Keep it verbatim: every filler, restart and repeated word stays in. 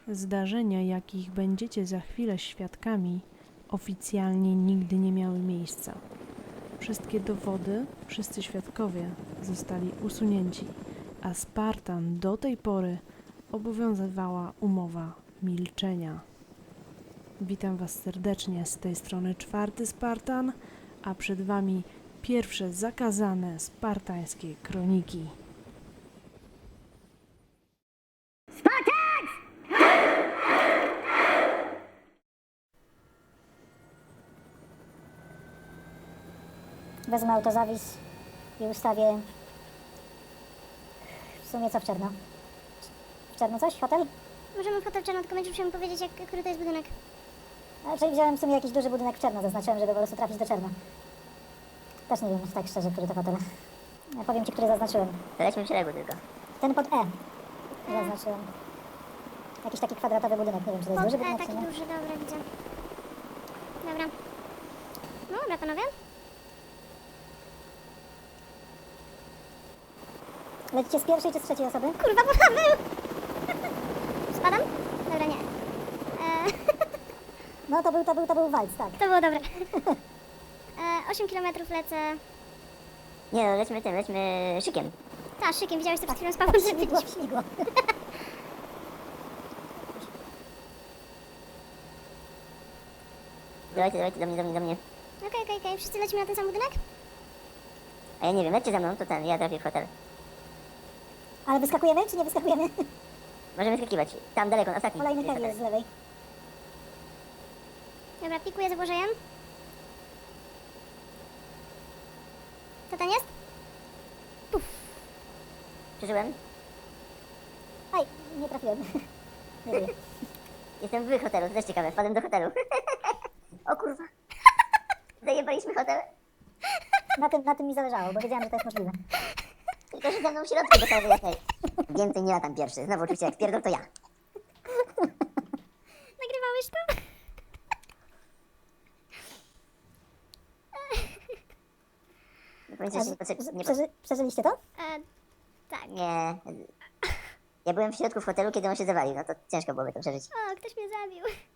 Zdarzenia, jakich będziecie za chwilę świadkami, oficjalnie nigdy nie miały miejsca. Wszystkie dowody, wszyscy świadkowie zostali usunięci, a Spartan do tej pory obowiązywała umowa milczenia. Witam Was serdecznie, z tej strony czwarty Spartan, a przed Wami pierwsze zakazane spartańskie kroniki. Wezmę autozawis i ustawię w sumie co w Czerno. W Czerno coś? Hotel? Możemy w hotel Czarno, tylko będziesz musiał mi powiedzieć, jak, który to jest budynek. A, czyli wziąłem w sumie jakiś duży budynek w Czerno, zaznaczyłem, żeby po prostu trafić do Czerna. Też nie wiem, tak szczerze, który to hotel. Ja powiem Ci, który zaznaczyłem. To lećmy w szeregu tylko. Ten pod E zaznaczyłem. Jakiś taki kwadratowy budynek, nie wiem, czy to jest Pod duży E, budynek, taki czy nie. duży, dobra, widzę. Dobra. No dobra, panowie. Lecicie z pierwszej czy z trzeciej osoby? Kurwa, bo Paweł! Spadam? Dobra, nie. E, No to był, to był, to był walc, tak. to było dobre. E, osiem kilometrów lecę. Nie no, lećmy tym, lećmy szykiem. Ta, szykiem, widziałeś to przed chwilą z Pawłem Śmigło, zrobiliśmy. śmigło. Dawajcie, dawajcie, do mnie, do mnie, do mnie. Okej, okej, okej, wszyscy lecimy na ten sam budynek? A ja nie wiem, lećcie za mną, to ten, ja trafię w hotel. Ale wyskakujemy, czy nie wyskakujemy? Możemy skakiwać. Tam daleko, na ostatni. Kolejny jest heavy jest hotel. z lewej. Dobra, pikuję za Błażejem. Co tam jest? Przeżyłem. Aj, nie trafiłem. Nie wiem. Jestem w hotelu, to też ciekawe, wpadłem do hotelu. O kurwa. Zajebaliśmy hotel. Na tym, na tym mi zależało, bo wiedziałam, że to jest możliwe. Tylko, że ze mną w środku do całego jakej. Więcej nie latam pierwszy. Znowu oczywiście jak pierdol, to ja. Nagrywałeś to? No powiem ci, A że nie z- potrzeb... z- nie, przeży, przeżyliście to? E, tak. nie. Ja byłem w środku w hotelu, kiedy on się zawalił, no to ciężko byłoby to przeżyć. O, ktoś mnie zabił.